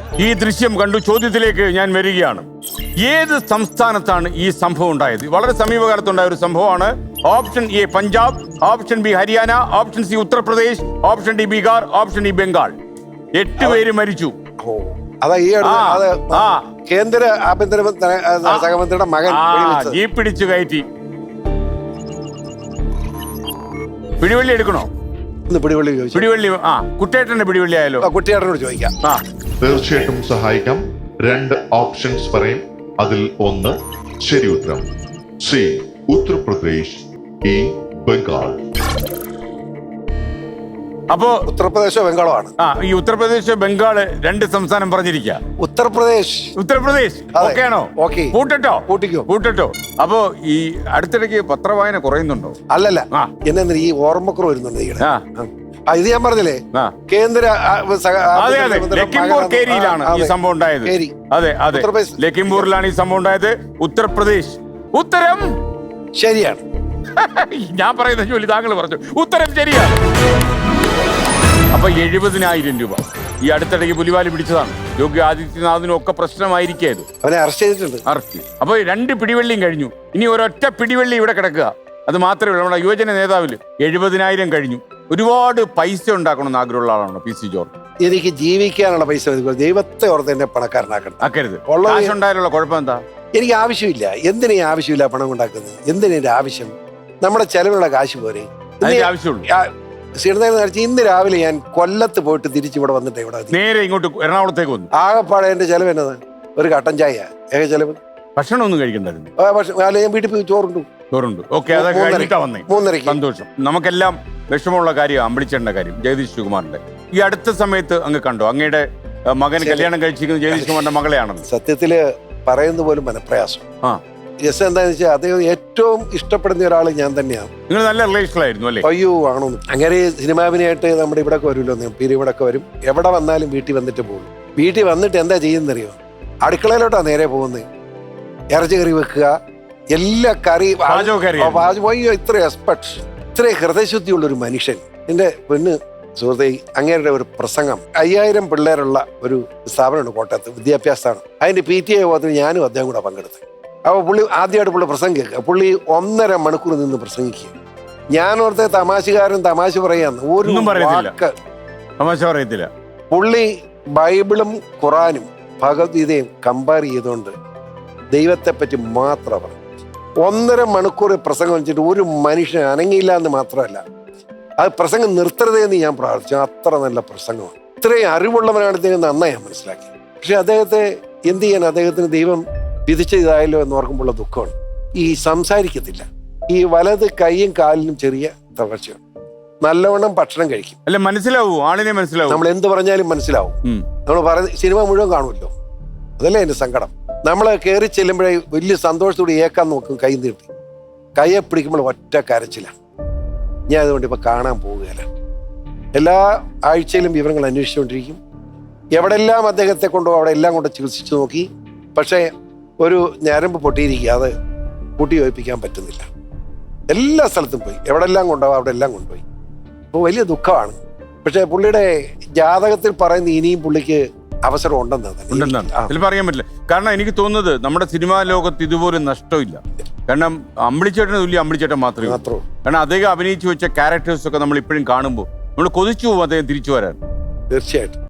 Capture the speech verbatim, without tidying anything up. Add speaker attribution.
Speaker 1: ഈ ദൃശ്യം കണ്ടു ചോദ്യത്തിലേക്ക് ഞാൻ വരികയാണ്. ഏത് സംസ്ഥാനത്താണ് ഈ സംഭവം ഉണ്ടായത്? വളരെ സമീപകാലത്തുണ്ടായ ഒരു സംഭവമാണ്. Option A Punjab, option B Haryana, option C Uttar Pradesh, option D Bihar, option D Bengal. എട്ട് പേര് മരിച്ചു.
Speaker 2: അതാ ഈ കേന്ദ്ര ആഭ്യന്തര സഹമന്ത്രിയുടെ മകൻ
Speaker 1: ഈ പിടിച്ചു കയറ്റി. പിടിവള്ളി എടുക്കണോ?
Speaker 2: പിടിവള്ളി
Speaker 1: പിടിവള്ളി ആ കുട്ടേട്ടന്റെ പിടിവള്ളി ആയാലോ?
Speaker 2: കുട്ടിയേട്ടനോട് ചോദിക്കാം.
Speaker 1: ആ
Speaker 3: തീർച്ചയായിട്ടും സഹായിക്കാം. രണ്ട് ഓപ്ഷൻസ് പറയും, അതിൽ ഒന്ന് ശരി ഉത്തരം. C Uttar Pradesh, A Bengal.
Speaker 1: അപ്പോ
Speaker 2: ഉത്തർപ്രദേശോ ബംഗാളോ ആണ്.
Speaker 1: ആ ഈ ഉത്തർപ്രദേശ് ബംഗാള് രണ്ട് സംസ്ഥാനം പറഞ്ഞിരിക്കുക.
Speaker 2: ഉത്തർപ്രദേശ്
Speaker 1: ഉത്തർപ്രദേശ് ഓക്കെ ആണോ?
Speaker 2: ഓക്കെ,
Speaker 1: കൂട്ടട്ടോ
Speaker 2: കൂട്ടിക്കോ
Speaker 1: കൂട്ടട്ടോ. അപ്പോ ഈ അടുത്തിടയ്ക്ക് പത്രവായന കുറയുന്നുണ്ടോ?
Speaker 2: അല്ലല്ല, എന്നെ ഈ ഓർമ്മക്കുറവ് വരുന്നുണ്ട്.
Speaker 1: ആ
Speaker 2: ഇത് ഞാൻ പറഞ്ഞില്ലേ, കേന്ദ്ര
Speaker 1: അതെ അതെ ലഖിംപൂർ കേരിയിലാണ് ഈ സംഭവം ഉണ്ടായത്. അതെ അതെ ലഖിംപൂരിലാണ് ഈ സംഭവം ഉണ്ടായത്. ഉത്തർപ്രദേശ്. ഉത്തരം
Speaker 2: ശരിയാണ്.
Speaker 1: ഞാൻ പറയുന്ന ജോലി താങ്കൾ പറഞ്ഞു. ഉത്തരം ശരിയാണ്. അപ്പൊ എഴുപതിനായിരം രൂപ ഈ അടുത്തിടയ്ക്ക് പുലിവാലി പിടിച്ചതാണ്. യോഗി ആദിത്യനാഥിനും ഒക്കെ പ്രശ്നമായിരിക്കും.
Speaker 2: അവനെ അറസ്റ്റ് ചെയ്തിട്ടുണ്ട്.
Speaker 1: അറസ്റ്റ്. അപ്പൊ രണ്ട് പിടിവള്ളിയും കഴിഞ്ഞു. ഇനി ഒരൊറ്റ പിടിവള്ളി ഇവിടെ കിടക്കുക. അത് മാത്രമേ ഉള്ളൂ. നമ്മുടെ യുവജന നേതാവില് എഴുപതിനായിരം കഴിഞ്ഞു. ഒരുപാട് പൈസ ഉണ്ടാക്കണമെന്ന് ആഗ്രഹമുള്ള ആളാണ് പി സി ജോർജ്.
Speaker 2: എനിക്ക് ജീവിക്കാനുള്ള പൈസ ദൈവത്തെ ഓർത്ത് എന്നെ പണക്കാരനാക്കണം.
Speaker 1: ആക്കരുത്. ഉണ്ടായാലുള്ള കുഴപ്പം എന്താ?
Speaker 2: എനിക്ക് ആവശ്യമില്ല. എന്തിനാ ആവശ്യമില്ല പണം ഉണ്ടാക്കുന്നത്? എന്തിനാ എന്റെ ആവശ്യം? നമ്മുടെ ചെലവിനുള്ള കാശ് പോരെ.
Speaker 1: ആവശ്യമുള്ളൂ.
Speaker 2: ഇന്ന് രാവിലെ ഞാൻ കൊല്ലത്ത് പോയിട്ട് തിരിച്ച് ഇവിടെ വന്നിട്ട് ഇവിടെ
Speaker 1: നേരെ ഇങ്ങോട്ട് എറണാകുളത്തേക്ക് വന്നു.
Speaker 2: ആകെപ്പാടെ എന്റെ ചെലവ് എന്നത് ഒരു കട്ടൻ ചായ. ഏക ചെലവ്.
Speaker 1: ഭക്ഷണം ഒന്നും കഴിക്കണ്ടായിരുന്നു.
Speaker 2: ഞാൻ വീട്ടിൽ പോയി ചോറുണ്ടു
Speaker 1: ചോറുണ്ട് ഓക്കെ. അതൊക്കെ കഴിഞ്ഞിട്ടാ വന്നേ.
Speaker 2: മൂന്നരക്ക്.
Speaker 1: സന്തോഷം. നമുക്കെല്ലാം വിഷമമുള്ള കാര്യം അമ്പളിച്ചേണ്ട കാര്യം ജഗദീഷ് ശിവകുമാറിന്റെ. ഈ അടുത്ത സമയത്ത് അങ്ങ് കണ്ടോ അങ്ങയുടെ മകൻ കല്യാണം കഴിച്ചിരിക്കുന്നത് ജഗദീഷ് കുമാറിന്റെ മകളെയാണെന്ന്?
Speaker 2: സത്യത്തില് പറയുന്ന പോലും മനപ്രയാസം. ആ രസം എന്താന്ന് വെച്ചാൽ അദ്ദേഹം ഏറ്റവും ഇഷ്ടപ്പെടുന്ന ഒരാൾ ഞാൻ തന്നെയാണ്.
Speaker 1: നിങ്ങൾ നല്ല റിലേഷനിലായിരുന്നു അല്ലേ?
Speaker 2: അയ്യോ ആണോ. അങ്ങനെ സിനിമാവിനായിട്ട് നമ്മുടെ ഇവിടെ വരുമല്ലോ, പീരി ഇവിടെ വരും. എവിടെ വന്നാലും വീട്ടിൽ വന്നിട്ട് പോകും. വീട്ടിൽ വന്നിട്ട് എന്താ ചെയ്യുന്നറിയോ? അടുക്കളയിലോട്ടാ നേരെ പോകുന്നത്. ഇറച്ചി കറി വെക്കുക, എല്ലാ കറി അയ്യോ ഇത്ര എക്സ്പെർട്ട്, ഇത്ര ഹൃദയശുദ്ധിയുള്ള ഒരു മനുഷ്യൻ. എന്റെ പെണ്ണ് സുഹൃത്തെ, അങ്ങേരുടെ ഒരു പ്രസംഗം, അയ്യായിരം പിള്ളേരുള്ള ഒരു സ്ഥാപനമുണ്ട് കോട്ടയത്ത്, വിദ്യാഭ്യാസമാണ്. അതിന്റെ പി ടി എ യോഗത്തിൽ ഞാനും അദ്ദേഹം കൂടെ പങ്കെടുത്ത്. അപ്പോൾ പുള്ളി ആദ്യമായിട്ട് പുള്ളി പ്രസംഗം കേൾക്കുക. പുള്ളി ഒന്നര മണിക്കൂർ നിന്ന് പ്രസംഗിക്കുക. ഞാൻ ഓർത്തെ തമാശകാരൻ തമാശ പറയാന്ന്. ഒരു വാക്ക്
Speaker 1: തമാശ പറയത്തില്ല.
Speaker 2: പുള്ളി ബൈബിളും ഖുറാനും ഭഗവത്ഗീതയും കമ്പയർ ചെയ്തുകൊണ്ട് ദൈവത്തെ പറ്റി മാത്രം പറഞ്ഞു. ഒന്നര മണിക്കൂർ പ്രസംഗം വെച്ചിട്ട് ഒരു മനുഷ്യൻ അനങ്ങിയില്ല എന്ന് മാത്രമല്ല, അത് പ്രസംഗം നിർത്തരുതെന്ന് ഞാൻ പ്രാർത്ഥിച്ചു. അത്ര നല്ല പ്രസംഗമാണ്. ഇത്രയും അറിവുള്ളവനാണ് ഇദ്ദേഹം നന്നായി ഞാൻ മനസ്സിലാക്കി. പക്ഷെ അദ്ദേഹത്തെ എന്ത് ചെയ്യാൻ, അദ്ദേഹത്തിന് ദൈവം വിധിച്ചതായല്ലോ എന്ന് ഓർക്കുമ്പോഴുള്ള ദുഃഖമാണ്. ഈ സംസാരിക്കത്തില്ല. ഈ വലത് കൈയും കാലിനും ചെറിയ തകർച്ചയാണ്. നല്ലവണ്ണം ഭക്ഷണം കഴിക്കും.
Speaker 1: അല്ല മനസ്സിലാവൂ, ആളിനെ മനസ്സിലാവും.
Speaker 2: നമ്മൾ എന്ത് പറഞ്ഞാലും മനസ്സിലാവും. നമ്മൾ പറഞ്ഞ സിനിമ മുഴുവൻ കാണുമല്ലോ. അതല്ലേ എന്റെ സങ്കടം. നമ്മൾ കയറി ചെല്ലുമ്പോഴേ വലിയ സന്തോഷത്തോടെ ഏക്കാൻ നോക്കും. കൈ നീട്ടി കയ്യെ പിടിക്കുമ്പോൾ ഒറ്റ കരച്ചിലാണ്. ഞാൻ അതുകൊണ്ട് ഇപ്പൊ കാണാൻ പോവുകയല്ല. എല്ലാ ആഴ്ചയിലും വിവരങ്ങൾ അന്വേഷിച്ചുകൊണ്ടിരിക്കും. എവിടെല്ലാം അദ്ദേഹത്തെ കൊണ്ടോ അവിടെ എല്ലാം കൊണ്ട് ചികിത്സിച്ചു നോക്കി. പക്ഷേ ഒരു ഞരമ്പ് പൊട്ടിയിരിക്കുക, അത് കൂട്ടി യോജിപ്പിക്കാൻ പറ്റുന്നില്ല. എല്ലാ സ്ഥലത്തും പോയി, എവിടെല്ലാം കൊണ്ടുപോകും അവിടെ എല്ലാം കൊണ്ടുപോയി. അപ്പോൾ വലിയ ദുഃഖമാണ്. പക്ഷേ പുള്ളിയുടെ ജാതകത്തിൽ പറയുന്ന ഇനിയും പുള്ളിക്ക് അവസരം ഉണ്ടെന്നാണ്
Speaker 1: അതിൽ പറയാൻ പറ്റില്ല. കാരണം എനിക്ക് തോന്നുന്നത് നമ്മുടെ സിനിമാ ലോകത്ത് ഇതുപോലെ നഷ്ടമില്ല. കാരണം അമ്പിളിച്ചേട്ടന് തുല്യം അമ്പിളിച്ചേട്ടൻ മാത്രമേ മാത്രമേ കാരണം അദ്ദേഹം അഭിനയിച്ചു വെച്ച ക്യാരക്ടേഴ്സ് ഒക്കെ നമ്മൾ ഇപ്പോഴും കാണുമ്പോൾ നമ്മൾ കൊതിച്ചു പോകും അദ്ദേഹം തിരിച്ചു വരാൻ.
Speaker 2: തീർച്ചയായിട്ടും.